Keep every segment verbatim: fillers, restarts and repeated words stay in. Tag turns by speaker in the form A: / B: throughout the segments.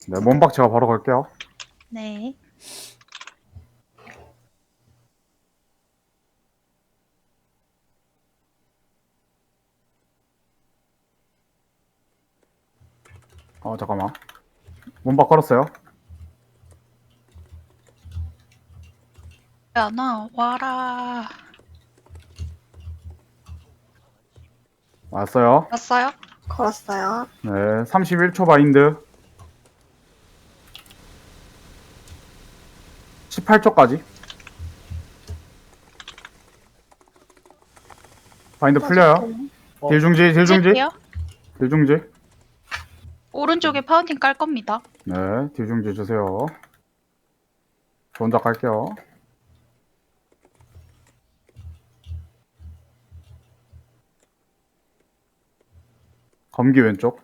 A: 네, 몸박 제가 바로 걸게요.
B: 네.
A: 어, 잠깐만. 몸박 걸었어요.
B: 야나 와라.
A: 왔어요.
B: 왔어요?
C: 걸었어요.
A: 네, 삼십일 초 바인드. 십팔 초까지. 바인드 풀려요.
C: 어.
A: 딜 중지, 딜 중지.
B: 찔게요.
A: 딜 중지.
B: 오른쪽에 파운틴 깔 겁니다.
A: 네, 딜 중지 주세요. 저 혼자 갈게요. 검기 왼쪽.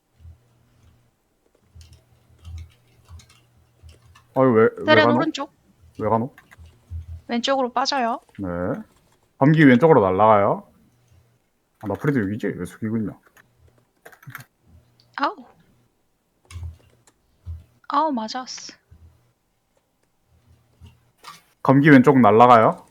A: 어이, 왜, 왜
B: 세렌
A: 가노?
B: 오른쪽.
A: 왜 가노?
B: 왼쪽으로 빠져요.
A: 네. 검기 왼쪽으로 날아가요. 아, 나 프리드 여기지? 왜 숙이고 있냐?
B: 아우. 아우 맞았어.
A: 검기 왼쪽 날아가요.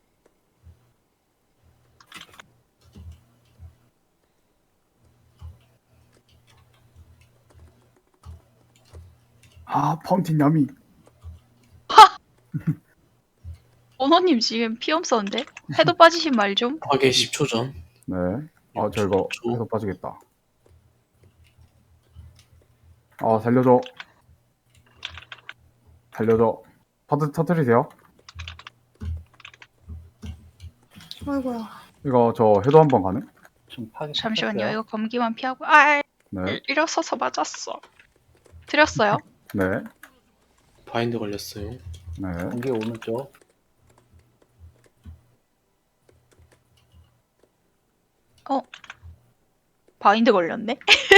A: 아, 파운틴 야미.
B: 오너님 지금 피 없었는데? 해도 빠지신 말 좀.
D: 파괴 십 초 전.
A: 네. 아, 저 이거
D: 초.
A: 해서 빠지겠다. 아, 살려줘. 살려줘. 터트, 터트리세요.
C: 아이고야.
A: 이거 저 해도 한번 가능?
E: 좀 파괴
B: 잠시만요.
E: 쳤어요.
B: 이거 검기만 피하고. 아,
A: 네.
B: 일어서서 맞았어. 드렸어요.
A: 네.
D: 바인드 걸렸어요.
A: 네.
E: 공기 오른쪽.
B: 바인드 걸렸네.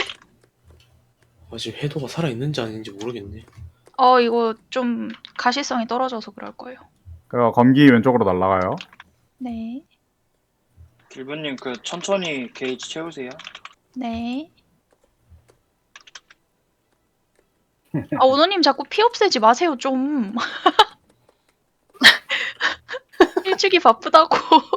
D: 아직 해도가 살아있는지 아닌지 모르겠네.
B: 어 이거 좀 가시성이 떨어져서 그럴 거예요.
A: 그리고 검기 왼쪽으로 날아가요.
B: 네.
F: 길부님 그 천천히 게이지 채우세요.
B: 네. 아 오너님 자꾸 피 없애지 마세요 좀. 일주기 바쁘다고.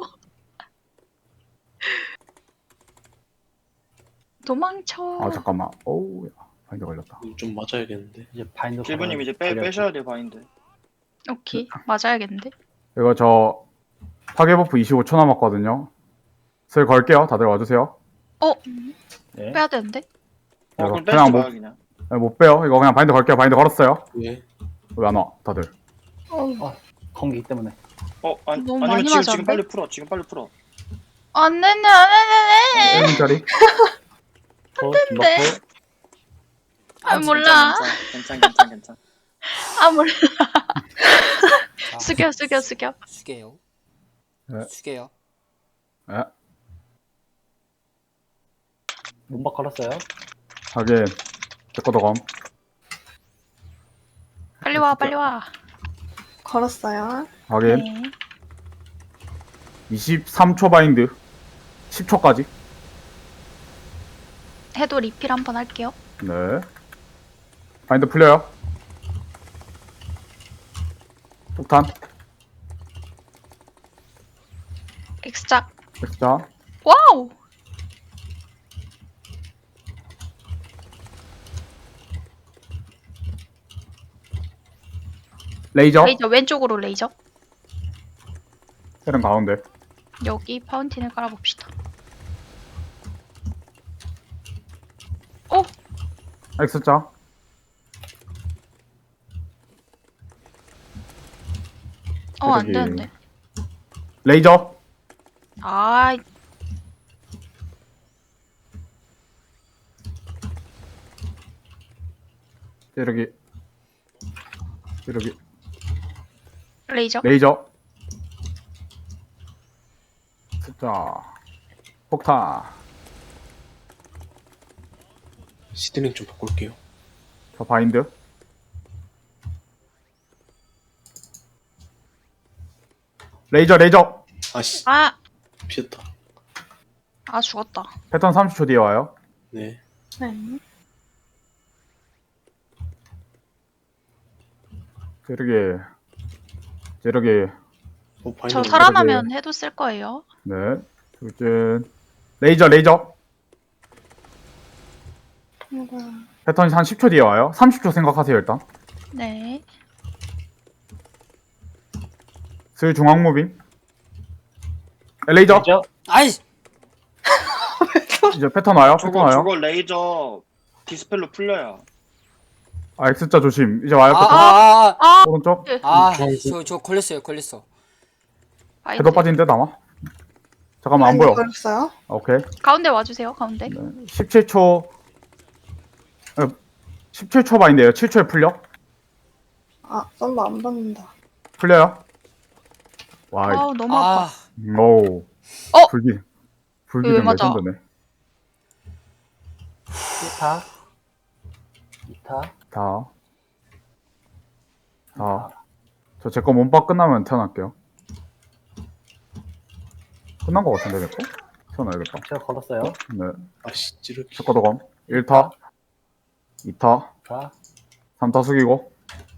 B: 도망쳐.
A: 아, 잠깐만. 오우, 야. 바인드 걸렸다.
D: 이거 좀 맞아야겠는데.
E: 이제 바인더.
F: 길부님 이제 빼, 빼셔야 돼요 바인드.
B: 오케이 맞아야겠는데.
A: 이거 저 파괴 버프 이십오 초 남았거든요. 슬 걸게요. 다들 와주세요.
B: 어
E: 네.
B: 빼야 되는데.
F: 어
A: 이거
F: 그럼
A: 그냥
F: 빼지
A: 못,
F: 마요 그냥.
A: 네, 못 빼요. 이거 그냥 바인드 걸게요. 바인드 걸었어요.
D: 왜?
A: 왜 안 와? 다들.
E: 공기 때문에.
F: 어 아니,
B: 너무
F: 아니면
B: 많이
F: 지금
B: 맞았는데?
F: 지금 빨리 풀어. 지금 빨리 풀어.
B: 안내네 안내네.
A: 일분 짜리.
E: 어,
B: 네.
E: 김박호.
B: 아 몰라.
F: 괜찮 괜찮 괜찮.
B: 아 몰라.
G: 자,
B: 숙여 숙여 숙여.
G: 숙여요.
A: 네.
G: 숙여요.
A: 네.
E: 몸박 걸었어요.
A: 하긴. 제거도 검.
B: 빨리 와 빨리 와.
C: 걸었어요.
A: 하긴.
B: 네.
A: 이십삼 초 바인드. 십 초까지.
B: 해도 리필 한번 할게요.
A: 네. 바인드 풀려요. 폭탄.
B: 엑스작.
A: 엑스자.
B: 와우.
A: 레이저.
B: 레이저 왼쪽으로 레이저.
A: 세른 가운데.
B: 여기 파운틴을 깔아봅시다. 오
A: 엑스자.
B: 어 안
A: 저기.
B: 되는데.
A: 레이저.
B: 아
A: 이렇게. 이렇게.
B: 레이저.
A: 레이저. 자. 폭탄.
D: 시드링 좀 바꿀게요.
A: 저 바인드. 레이저, 레이저.
D: 아씨,
B: 아,
D: 피했다.
B: 아 죽었다.
A: 패턴 삼십 초 뒤에 와요.
D: 네.
C: 네.
A: 찌르기. 찌르기.
D: 어, 바인드
B: 저
D: 걸려.
B: 살아나면 해도 쓸 거예요.
A: 네. 돌진. 레이저, 레이저.
C: 아이고야.
A: 패턴이 한 십 초 뒤에 와요. 삼십 초 생각하세요, 일단.
B: 네.
A: 슬 중앙 무빙. 레이저.
E: 레이저.
G: 아이
A: 이제 패턴 와요. 패턴
F: 저거
A: 와요.
F: 저거 레이저 디스펠로 풀려요.
A: 아, X자 조심. 이제 와요. 패턴.
G: 아아아저
B: 아,
A: 오른쪽.
G: 저 걸렸어요 걸렸어.
B: 바인드.
A: 해도 빠진데, 남아. 잠깐만, 안
C: 바인드
A: 보여.
C: 걸었어요.
A: 오케이.
B: 가운데 와주세요. 가운데.
A: 십칠 초. 어, 십칠 초 바인데요. 칠 초에 풀려.
C: 아, 썸바 안 받는다.
A: 풀려요. 와,
B: 아우 너무 아파.
G: 아
A: 오.
B: 어?
A: 불기. 불기
B: 왜
A: 좀
B: 맞아?
A: 레전드네.
E: 일 타. 이 타.
A: 다. 다. 저 제 거 몸박 끝나면 태어날게요. 끝난 거 같은데, 내 거? 태어나야겠다.
E: 제가 걸었어요.
A: 네.
D: 아씨 찌르기.
A: 제 거도 검. 일 타. 이 타.
E: 자.
A: 삼 타 숙이고.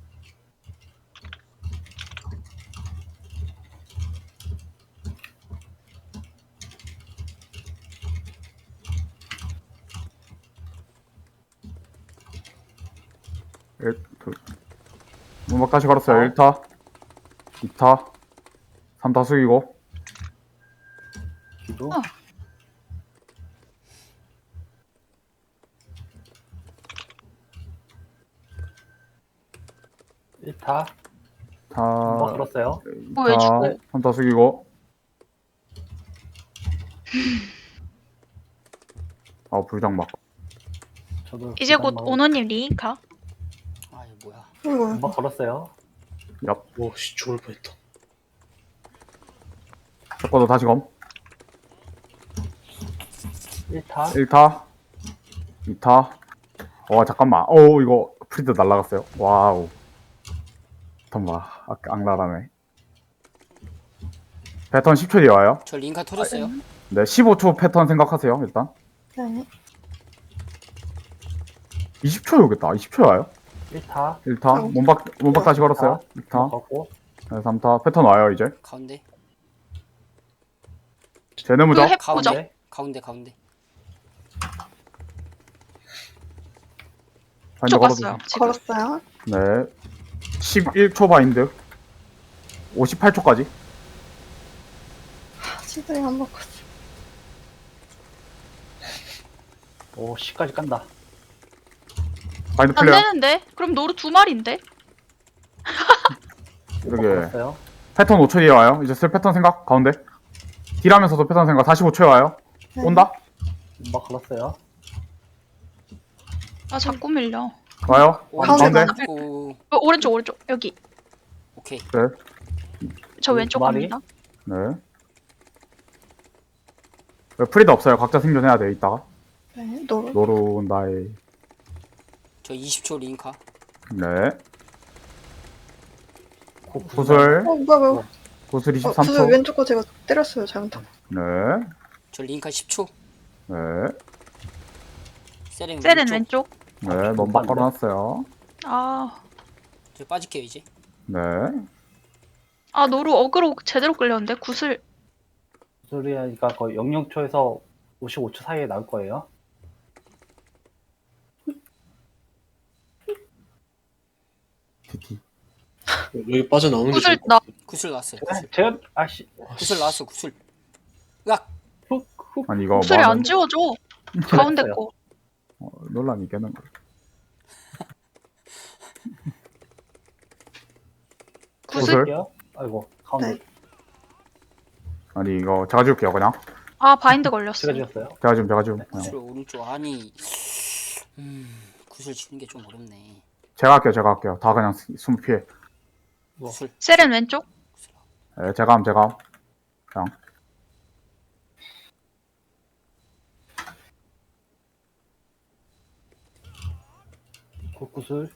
A: 일, 둘. 문박 다시 걸었어요.
E: 어.
A: 일 타. 이 타. 삼 타 숙이고.
E: 기도.
B: 어.
E: 일 타.
A: 타.
E: 뭐 걸었어요.
B: 뭐왜
A: 타.
B: 죽어?
A: 삼 타 숙이고. 아, 불장막.
E: 저도
B: 이제 곧
E: 기도
B: 오너님 리인카.
G: 아 이거 뭐야?
C: 아이고.
E: 뭐 걸었어요.
A: 얍.
D: 와씨 죽을 뻔했다.
A: 제 거도 다시 검.
E: 일 타.
A: 일 타. 이 타. 와, 잠깐만. 오, 이거 프리드 날라갔어요. 와우. 잠깐만. 아, 악랄하네. 패턴 십 초 뒤에 와요.
G: 저 링카 터졌어요.
A: 네, 십오 초 패턴 생각하세요, 일단.
C: 네.
A: 이십 초에 오겠다. 이십 초에 와요.
E: 일 타.
A: 일 타.
C: 아이고.
A: 몸박, 몸박 다시 걸었어요. 이 타.
E: 걷고.
A: 네, 삼 타. 패턴 와요, 이제.
G: 가운데
A: 제네 무적.
B: 그 해보죠.
E: 가운데.
G: 가운데 가운데.
A: 바인드
B: 쪽
A: 걸어주세요.
B: 왔어요. 지금.
C: 걸었어요.
A: 네. 십일 초 바인드. 오십팔 초까지.
C: 아, 시드링 안 바꿨어.
E: 오 십까지 깐다.
A: 바인드
B: 안
A: 풀려요.
B: 되는데? 그럼 노루 두 마리인데?
E: 뭐
A: 이렇게.
E: 걸었어요.
A: 패턴 오 초 뒤에 와요. 이제 쓸 패턴 생각. 가운데. 딜하면서도 패턴 생각. 사십오 초에 와요.
C: 네.
A: 온다.
E: 뭐 걸었어요.
B: 아 자꾸 밀려.
A: 와요.
G: 오른쪽
A: 가운데.
G: 고
B: 어, 오른쪽 오른쪽 여기.
G: 오케이.
A: 네.
B: 저
E: 두
B: 왼쪽
E: 마리?
B: 갑니다.
A: 네. 왜 프리드 없어요. 각자 생존해야 돼. 이따가.
C: 네. 노루.
A: 노루 나의.
G: 저 이십 초 링카.
A: 네.
E: 고-
A: 구슬.
C: 어, 뭐야, 뭐야.
A: 구슬
C: 어,
A: 이십삼 초.
C: 구슬 왼쪽 거 제가 때렸어요. 잘못하고.
A: 네.
G: 저 링카 십 초.
A: 네.
G: 세렌
B: 세렌
G: 왼쪽.
B: 왼쪽.
A: 네. 몸박 걸어놨어요.
B: 아,
G: 저 빠질게요 이제.
A: 네.
B: 아 노루 어그로 제대로 끌렸는데 구슬.
E: 구슬이니까 거의 영영 초에서 오십오 초 사이에 나올 거예요.
A: 티티.
D: 여기 빠져나오는 게
B: 구슬
D: 좋을 것
B: 나.
D: 같아.
G: 구슬 나왔어요.
E: 네, 제가 아씨
G: 구슬 나왔어 구슬. 으악.
E: 훅훅
A: 아니 이거
B: 구슬이
A: 뭐
B: 안 지워져. 가운데
E: 그랬어요.
B: 거.
A: 어, 논란이 깨는 거.
B: 구슬.
A: 구슬?
E: 아이고 가운데
C: 네.
A: 아니 이거 제가 지울게요 그냥.
B: 아 바인드 걸렸어.
E: 제가 지었어요.
A: 제가 지금 제가 지금. 그냥.
G: 구슬 오른쪽 아니. 음 구슬 치는 게 좀 어렵네.
A: 제가 할게요 제가 할게요. 다 그냥 숨 피해.
G: 구슬.
B: 세렌 왼쪽.
A: 네, 제가 함 제가 함. 그냥.
E: 고- 구슬.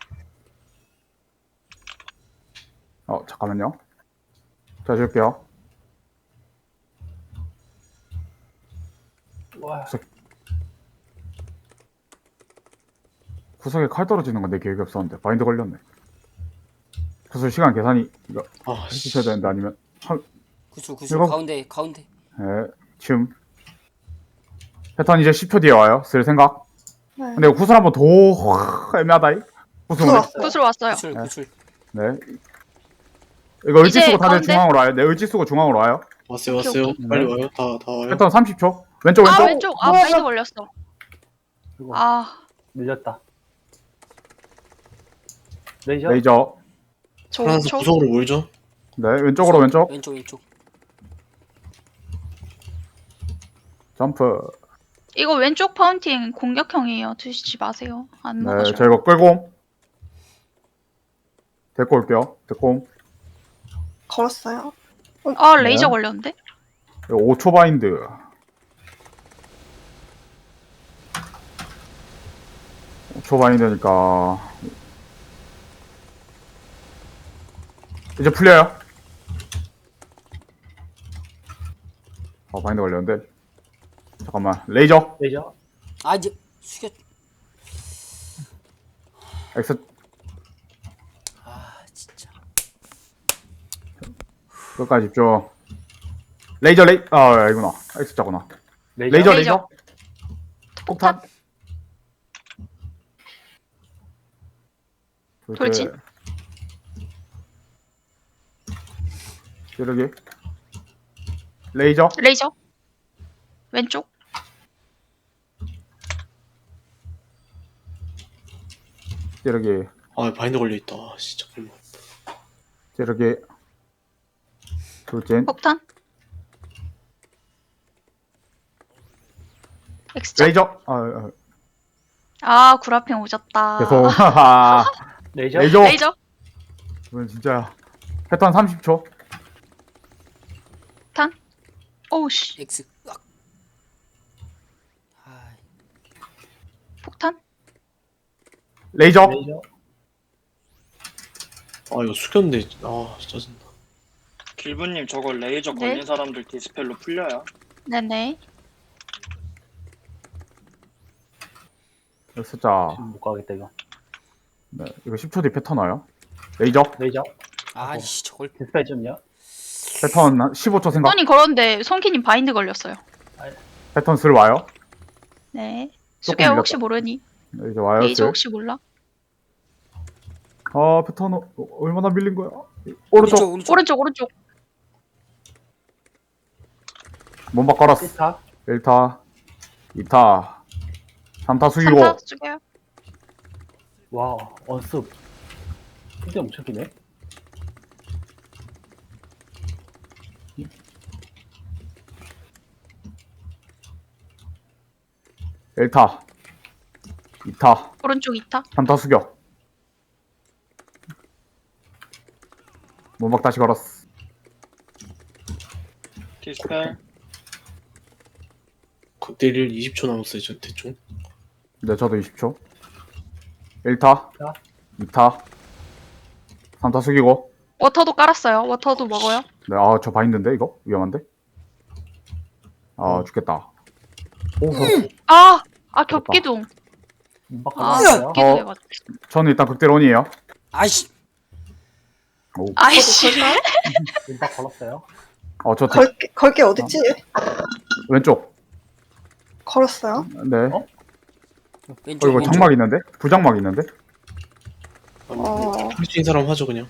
A: 어 잠깐만요. 제가 지울게요.
E: 와
A: 구석에 칼 떨어지는 건 내 기억이 없었는데 바인드 걸렸네. 구슬 시간 계산이 이거
D: 아, 씨.
A: 해주셔야 되는데 아니면
G: 구슬 구슬
A: 이거-
G: 가운데 가운데.
A: 네 지금 패턴 이제 십 초 뒤에 와요. 쓸 생각.
C: 네.
A: 근데 이거 구슬 한번 더 확 애매하다이. 구슬
C: 구슬
A: 오네.
C: 왔어요.
B: 구슬 왔어요.
G: 구슬
A: 네.
G: 구슬.
A: 네. 이거 의지
B: 이제
A: 쓰고 다들
B: 가운데?
A: 중앙으로 와요. 네 의지 쓰고 중앙으로 와요.
D: 왔어요,
B: 오케이,
D: 왔어요.
A: 오케이.
D: 빨리
A: 네.
D: 와요. 다, 다 와요.
A: 패턴 삼십 초. 왼쪽 왼쪽.
B: 아 왼쪽. 아 마인드 걸렸어.
E: 이거
B: 아
E: 밀렸다. 레이저.
A: 레이저.
B: 저
D: 프랑스
B: 저
D: 구석으로 몰죠.
A: 네 왼쪽으로 왼쪽.
G: 왼쪽 왼쪽.
A: 점프.
B: 이거 왼쪽 파운틴 공격형이에요. 드시지 마세요. 안
A: 네
B: 먹어줘요.
A: 저 이거 끌고 옴. 데리고 올게요. 데리고 옴.
C: 걸었어요.
B: 아 레이저
A: 네.
B: 걸렸는데?
A: 이거 오 초 바인드. 오 초 바인드니까 이제 풀려요. 아 바인드 걸렸는데. 잠깐만 레이저
E: 레이저.
G: 아 이제 숙여.
A: 엑스
G: 아 진짜.
A: 끝까지 집중. 레이저 레이 아 이구나 엑스자구나.
E: 레이저.
A: 레이저
B: 레이저.
A: 레이저. 폭탄.
B: 돌진.
A: 찌르기. 레이저.
B: 레이저. 왼쪽.
A: 찌르기.
D: 아, 바인드 걸려있다. 아, 씨, 잠깐만.
A: 찌르기. 돌진.
B: 폭탄. 엑스자.
A: 레이저. 아, 아
B: 아 구라핑 오졌다.
A: 계속. 하하.
E: 레이저.
A: 레이저.
B: 레이저.
A: 이건 진짜 패턴 삼십 초.
B: 폭탄. 오우씨.
G: X. 으악. 아
B: 폭탄.
A: 레이저.
E: 레이저.
D: 아, 이거 숙였는데. 아, 짜증나.
F: 길부님 저거 레이저
B: 네.
F: 걸린 사람들 디스펠로 풀려요.
B: 네네.
A: 숫자.
E: 지금 못 가겠다 이거.
A: 네, 이거 십 초 뒤 패턴 와요. 레이저.
E: 레이저.
G: 아이씨 저걸.
E: 디스펠 좀요.
A: 패턴 한 십오 초 생각.
B: 손이 걸었는데 손키님 바인드 걸렸어요.
A: 패턴 슬 와요.
B: 네.
A: 조금
B: 수개야
A: 밀렸다.
B: 혹시 모르니?
A: 네, 이제 와요.
B: 레이저
A: 슬.
B: 혹시 몰라?
A: 아 패턴 어, 얼마나 밀린 거야? 오른쪽.
G: 오른쪽.
B: 오른쪽 오른쪽.
A: 몸박 걸었어.
E: 일 타.
A: 일 타. 이 타. 삼 타 숙이고.
B: 삼타 수개야.
E: 와 언습. 근데 엄청 기네.
A: 일 타. 이 타.
B: 오른쪽 이타.
A: 삼 타 숙여. 몸박 다시 걸었어.
F: 디스펠.
D: 극딜 이십 초 남았어요, 저 대충.
A: 네, 저도 이십 초. 일 타.
E: 자.
A: 이 타. 삼 타 숙이고.
B: 워터도 깔았어요. 워터도 먹어요.
A: 네, 아, 저 바인드인데, 이거? 위험한데? 아,
E: 어.
A: 죽겠다. 오,
B: 아! 아 겹기둥.
E: 문박
B: 아
E: 걸었어요.
B: 겹기둥
A: 어.
B: 해가지고.
A: 저는 일단 극대론이에요.
G: 아이씨.
A: 오.
B: 아이씨.
E: 문박 걸었어요.
A: 어, 저 대-
C: 걸게, 걸게 어딨지?
A: 왼쪽.
C: 걸었어요.
A: 네.
E: 어?
A: 어,
G: 왼쪽
A: 이거
G: 왼쪽.
A: 장막 있는데? 부장막 있는데?
C: 어.
D: 할 수 있는 사람 하죠, 그냥.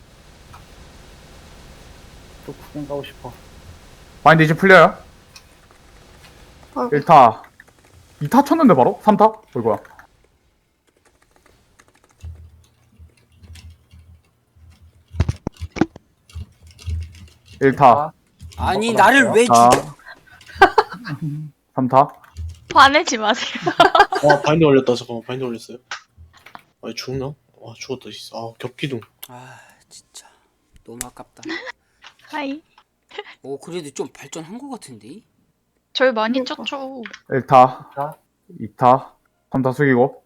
E: 또 구경 가고 싶어.
A: 바인드 이제 풀려요.
C: 아이고.
A: 일 타. 이 타 쳤는데 바로? 삼 타? 어이구야. 일 타.
G: 아니
E: 문박
G: 나를
E: 걸었어요.
G: 왜
A: 타.
G: 죽여?
A: 삼 타.
B: 화내지 마세요.
D: 아, 바인드 걸렸다. 잠깐만, 바인드 걸렸어요. 아, 죽나? 아, 죽었다, 진짜. 아, 겹기둥.
G: 아 진짜 너무 아깝다.
B: 하이.
G: 오 그래도 좀 발전한 것 같은데.
B: 저희 많이 쪘죠.
A: 일 타.
E: 자.
A: 이 타. 삼 타 숙이고.